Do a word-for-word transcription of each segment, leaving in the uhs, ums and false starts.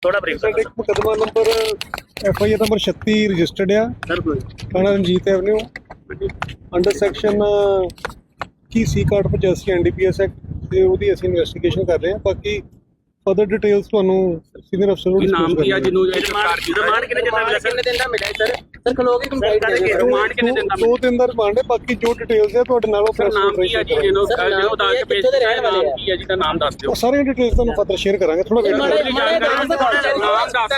थोड़ा break sir एक मुकदमा number F I R number छत्ती रजिस्टर्ड है सर कोई थाना रंजीत एवेन्यू अंडर सैक्शन की सी कार्ड पचासी N D P S act ਤੇ ਉਹਦੀ ਅਸੀਂ ਇਨਵੈਸਟੀਗੇਸ਼ਨ ਕਰ ਰਹੇ ਹਾਂ। ਬਾਕੀ ਫਰਦਰ ਡਿਟੇਲਸ ਤੁਹਾਨੂੰ ਸੀਨੀਅਰ ਅਫਸਰ ਨੂੰ ਨਾਮ ਕੀ ਆ ਜਿਹਨੂੰ ਰਿਮਾਂਡ ਕਿੰਨੇ ਦਿਨ ਦਾ ਮਿਲਿਆ ਕਿੰਨੇ ਦਿਨ ਦਾ ਮਿਲਿਆ ਸਰ ਸਰ ਖਲੋਗੇ ਕੰਪਲੀਟ ਕਰਕੇ ਰਿਮਾਂਡ ਕਿੰਨੇ ਦਿਨ ਦਾ ਦੋ ਦਿਨ ਦਾ ਰਿਮਾਂਡ ਹੈ। ਬਾਕੀ ਜੋ ਡਿਟੇਲਸ ਹੈ ਤੁਹਾਡੇ ਨਾਲ ਉਹ ਸਰ ਨਾਮ ਕੀ ਆ ਜੀ ਜਿਹਨੂੰ ਜਿਹਨੂੰ ਦੱਸ ਕੇ ਭੇਜ ਦਿੱਤਾ ਹੈ ਨਾਮ ਕੀ ਆ ਜੀ ਦਾ ਨਾਮ ਦੱਸ ਦਿਓ। ਸਾਰੀਆਂ ਡਿਟੇਲਸ ਤੁਹਾਨੂੰ ਫਰਦਰ ਸ਼ੇਅਰ ਕਰਾਂਗੇ। ਥੋੜਾ ਵੇਟ ਕਰੋ। ਨਾਮ ਦੱਸ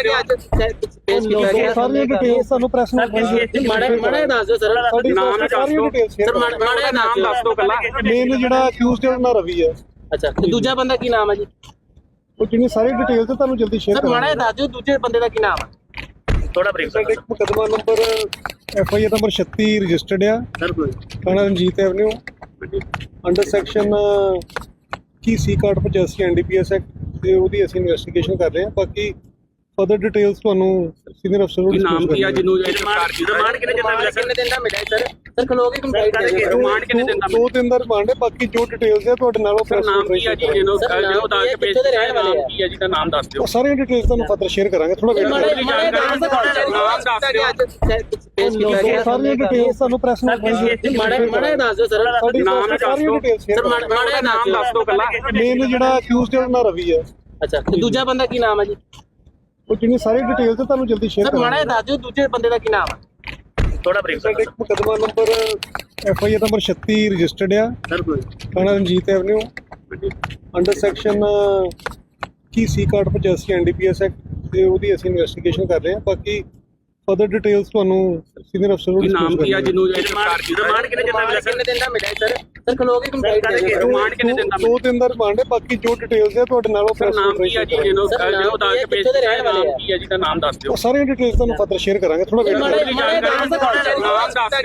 ਦਿਓ। ਸਾਰੀਆਂ ਡਿਟੇਲਸ ਤੁਹਾਨੂੰ ਪ੍ਰੈਸ ਨੂੰ ਮਾੜਾ ਮਾੜਾ ਦੱਸ ਦਿਓ ਸਰ ਨਾਮ ਸਾਰੀਆਂ ਡਿਟੇਲਸ ਸਰ ਮਾੜਾ ਨਾਮ ਦੱਸ ਦਿਓ ਕੱਲਾ ਮੇਨ ਜਿਹੜਾ ਅਕਿਊਜ਼ਡ ਹੈ ਉਹਨਾਂ ਰਵੀ ਹੈ। ਅੱਛਾ ਦੂਜਾ ਬੰਦਾ ਕੀ ਨਾਮ ਹੈ ਜੀ? ਉਹ ਜਿਹਨੇ ਸਾਰੀ ਡਿਟੇਲਸ ਹੈ ਤੁਹਾਨੂੰ ਜਲਦੀ ਸ਼ੇਅਰ ਸਰ ਮਾੜਾ ਦੱਸ ਦਿਓ ਦੂਜੇ ਬੰਦੇ ਦਾ ਕੀ ਨਾਮ ਹੈ? ਥੋੜਾ ਬ੍ਰੇਕ ਸਰ ਇੱਕ ਮੁਕਦਮਾ number F I R number ਛੱਤੀ ਰਜਿਸਟਰਡ ਆ ਸਰ ਕੋਈ ਥਾਣਾ ਰਣਜੀਤ ਐਵਨਿਊ ਅੰਡਰ ਸੈਕਸ਼ਨ ਕੀ ਸੀ ਕਾਰਡ ਪਚਾਸੀ N D P S act ਤੇ ਉਹਦੀ ਅਸੀਂ ਇਨਵੈਸਟੀਗੇਸ਼ਨ ਕਰ ਰਹੇ ਹਾਂ। ਬਾਕੀ ਫਰਦਰ ਡਿਟੇਲਸ ਤੁਹਾਨੂੰ ਸੀਨੀਅਰ ਅਫਸਰ ਨੂੰ ਨਾਮ ਕੀ ਆ ਜਿਹਨੂੰ ਰਿਮਾਂਡ ਕਿੰਨੇ ਦਿਨ ਦਾ ਮਿਲਿਆ ਕਿੰਨੇ ਦਿਨ ਦਾ ਮਿਲਿਆ ਸਰ ਸਰ ਖਲੋਗੇ ਕੰਪਲੀਟ ਕਰਕੇ ਰਿਮਾਂਡ ਕਿੰਨੇ ਦਿਨ ਦਾ ਦੋ ਦਿਨ ਦਾ ਰਿਮਾਂਡ ਹੈ। ਬਾਕੀ ਜੋ ਡਿਟੇਲਸ ਹੈ ਤੁਹਾਡੇ ਨਾਲ ਉਹ ਪ੍ਰੈਸ ਨਾਮ ਕੀ ਆ ਜੀ ਜਿਹਨੂੰ ਜਿਹਨੂੰ ਦੱਸ ਕੇ ਭੇਜ ਦਿੱਤਾ ਹੈ ਨਾਮ ਕੀ ਆ ਜੀ ਦਾ ਨਾਮ ਦੱਸ ਦਿਓ। ਸਾਰੀਆਂ ਡਿਟੇਲਸ ਤੁਹਾਨੂੰ ਫਰਦਰ ਸ਼ੇਅਰ ਕਰਾਂਗੇ। ਥੋੜਾ ਵੇਟ ਕਰੋ। ਨਾਮ ਦੱਸ ਦਿਓ। ਸਾਰੀਆਂ ਡਿਟੇਲਸ ਤੁਹਾਨੂੰ ਪ੍ਰੈਸ ਨੂੰ ਮਾੜਾ ਮਾੜਾ ਦੱਸ ਦਿਓ ਸਰ ਨਾਮ ਦੱਸ ਦਿਓ। ਸਰ ਮਾੜਾ ਨਾਮ ਦੱਸ ਦਿਓ ਕੱਲਾ ਮੇਨ ਜਿਹੜਾ ਅਕਿਊਜ਼ਡ ਹੈ ਉਹਨਾਂ ਰਵੀ ਹੈ। ਅੱਛਾ ਦੂਜਾ ਬੰਦਾ ਕੀ ਨਾਮ ਹੈ ਜੀ? ਉਹ ਜਿਹਨੇ ਸਾਰੀ ਡਿਟੇਲਸ ਹੈ ਤੁਹਾਨੂੰ ਜਲਦੀ ਸ਼ੇਅਰ ਸਰ ਮਾੜਾ ਦੱਸ ਦਿਓ ਦੂਜੇ ਬੰਦੇ ਦਾ ਕੀ ਨਾਮ ਹੈ? ਥੋੜਾ ਬ੍ਰੇਕ ਸਰ ਇੱਕ ਮੁਕਦਮਾ number F I R number ਛੱਤੀ ਰਜਿਸਟਰਡ ਆ ਸਰ ਕੋਈ ਥਾਣਾ ਰਣਜੀਤ ਐਵਨਿਊ ਅੰਡਰ ਸੈਕਸ਼ਨ ਕੀ ਸੀ ਕਾਰਡ ਪਚਾਸੀ N D P S act ਤੇ ਉਹਦੀ ਅਸੀਂ ਇਨਵੈਸਟੀਗੇਸ਼ਨ ਕਰ ਰਹੇ ਹਾਂ। ਬਾਕੀ ਫਰਦਰ ਡਿਟੇਲਸ ਤੁਹਾਨੂੰ ਸੀਨੀਅਰ ਅਫਸਰ ਨੂੰ ਨਾਮ ਕੀ ਆ ਜਿਹਨੂੰ ਰਿਮਾਂਡ ਕਿੰਨੇ ਦਿਨ ਦਾ ਮਿਲਿਆ ਕਿੰਨੇ ਦਿਨ ਦਾ ਮਿਲਿਆ ਸਰ ਸਰ ਖਲੋਗੇ ਕੰਪਲੀਟ ਕਰਕੇ ਰਿਮਾਂਡ ਕਿੰਨੇ ਦਿਨ ਦਾ ਦੋ ਦਿਨ ਦਾ ਰਿਮਾਂਡ ਹੈ। ਬਾਕੀ ਜੋ ਡਿਟੇਲਸ ਹੈ ਤੁਹਾਡੇ ਨਾਲ ਉਹ ਪ੍ਰੈਸ ਨਾਮ ਕੀ ਆ ਜੀ ਜਿਹਨੂੰ ਜਿਹਨੂੰ ਦੱਸ ਕੇ ਭੇਜ ਦਿੱਤਾ ਹੈ ਨਾਮ ਕੀ ਆ ਜੀ ਦਾ ਨਾਮ ਦੱਸ ਦਿਓ। ਸਾਰੀਆਂ ਡਿਟੇਲਸ ਤੁਹਾਨੂੰ ਫਰਦਰ ਸ਼ੇਅਰ ਕਰਾਂਗੇ। ਥੋੜਾ ਵੇਟ ਕਰੋ। ਨਾਮ ਦੱਸ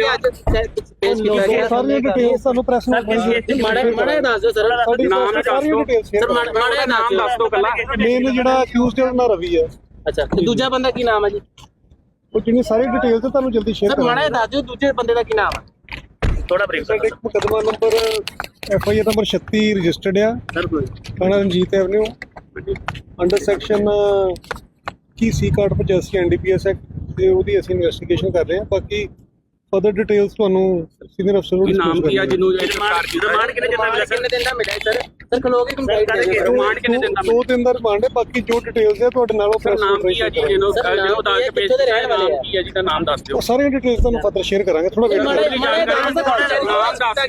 ਦਿਓ। ਸਾਰੀਆਂ ਡਿਟੇਲਸ ਤੁਹਾਨੂੰ ਪ੍ਰੈਸ ਨੂੰ ਮਾੜਾ ਮਾੜਾ ਦੱਸ ਦਿਓ ਸਰ ਨਾਮ ਦੱਸ ਦਿਓ। ਸਰ ਮਾੜਾ ਨਾਮ ਦੱਸ ਦਿਓ ਕੱਲਾ ਮੇਨ ਜਿਹੜਾ ਅਕਿਊਜ਼ਡ ਹੈ ਉਹਨਾਂ ਰਵੀ ਹੈ। ਅੱਛਾ ਦੂਜਾ ਬੰਦਾ ਕੀ ਨਾਮ ਹੈ ਜੀ? ਉਹ ਜਿਹਨੇ ਸਾਰੀ ਡਿਟੇਲਸ ਹੈ ਤੁਹਾਨੂੰ ਜਲਦੀ ਸ਼ੇਅਰ ਸਰ ਮਾੜਾ ਦੱਸ ਦਿਓ ਦੂਜੇ ਬੰਦੇ ਦਾ ਕੀ ਨਾਮ ਹੈ? ਥੋੜਾ ਬ੍ਰੇਕ ਸਰ ਇੱਕ ਮੁਕਦਮਾ number F I R number ਛੱਤੀ ਰਜਿਸਟਰਡ ਆ ਸਰ ਕੋਈ ਥਾਣਾ ਰਣਜੀਤ ਐਵਨਿਊ ਅੰਡਰ ਸੈਕਸ਼ਨ ਕੀ ਸੀ ਕਾਰਡ ਪਚਾਸੀ N D P S act ਤੇ ਉਹਦੀ ਅਸੀਂ ਇਨਵੈਸਟੀਗੇਸ਼ਨ ਕਰ ਰਹੇ ਹਾਂ। ਬਾਕੀ ਫਰਦਰ ਡਿਟੇਲਸ ਤੁਹਾਨੂੰ ਸੀਨੀਅਰ ਅਫਸਰ ਨੂੰ ਨਾਮ ਕੀ ਆ ਜਿਹਨੂੰ ਰਿਮਾਂਡ ਕਿੰਨੇ ਦਿਨ ਦਾ ਮਿਲਿਆ ਕਿੰਨੇ ਦਿਨ ਦਾ ਮਿਲਿਆ ਸਰ ਸਰ ਖਲੋਗੇ ਕੰਪਲੀਟ ਕਰਕੇ ਰਿਮਾਂਡ ਕਿੰਨੇ ਦਿਨ ਦਾ ਦੋ ਦਿਨ ਦਾ ਰਿਮਾਂਡ ਹੈ। ਬਾਕੀ ਜੋ ਡਿਟੇਲਸ ਹੈ ਤੁਹਾਡੇ ਨਾਲ ਉਹ ਪ੍ਰੈਸ ਨਾਮ ਕੀ ਆ ਜੀ ਜਿਹਨੂੰ ਜਿਹਨੂੰ ਦੱਸ ਕੇ ਭੇਜ ਦਿੱਤਾ ਹੈ ਨਾਮ ਕੀ ਆ ਜੀ ਦਾ ਨਾਮ ਦੱਸ ਦਿਓ। ਸਾਰੀਆਂ ਡਿਟੇਲਸ ਤੁਹਾਨੂੰ ਫਰਦਰ ਸ਼ੇਅਰ ਕਰਾਂਗੇ। ਥੋੜਾ ਵੇਟ ਕਰੋ। ਨਾਮ ਦੱਸ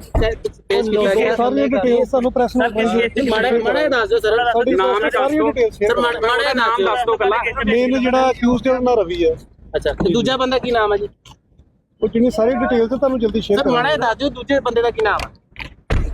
ਦਿਓ। ਸਾਰੀਆਂ ਡਿਟੇਲਸ ਤੁਹਾਨੂੰ ਪ੍ਰੈਸ ਨੂੰ ਮਾੜਾ ਮਾੜਾ ਦੱਸ ਦਿਓ ਸਰ ਨਾਮ ਦੱਸ ਦਿਓ। ਸਰ ਮਾੜਾ ਨਾਮ ਦੱਸ ਦਿਓ ਕੱਲਾ ਮੇਨ ਜਿਹੜਾ ਅਕਿਊਜ਼ਡ ਹੈ ਉਹਨਾਂ ਰਵੀ ਹੈ। ਅੱਛਾ ਦੂਜਾ ਬੰਦਾ ਕੀ ਨਾਮ ਹੈ ਜੀ? ਉਹ ਜਿਹਨੇ ਸਾਰੀ ਡਿਟੇਲਸ ਹੈ ਤੁਹਾਨੂੰ ਜਲਦੀ ਸ਼ੇਅਰ ਸਰ ਮਾੜਾ ਦੱਸ ਦਿਓ ਦੂਜੇ ਬੰਦੇ ਦਾ ਕੀ ਨਾਮ ਹੈ?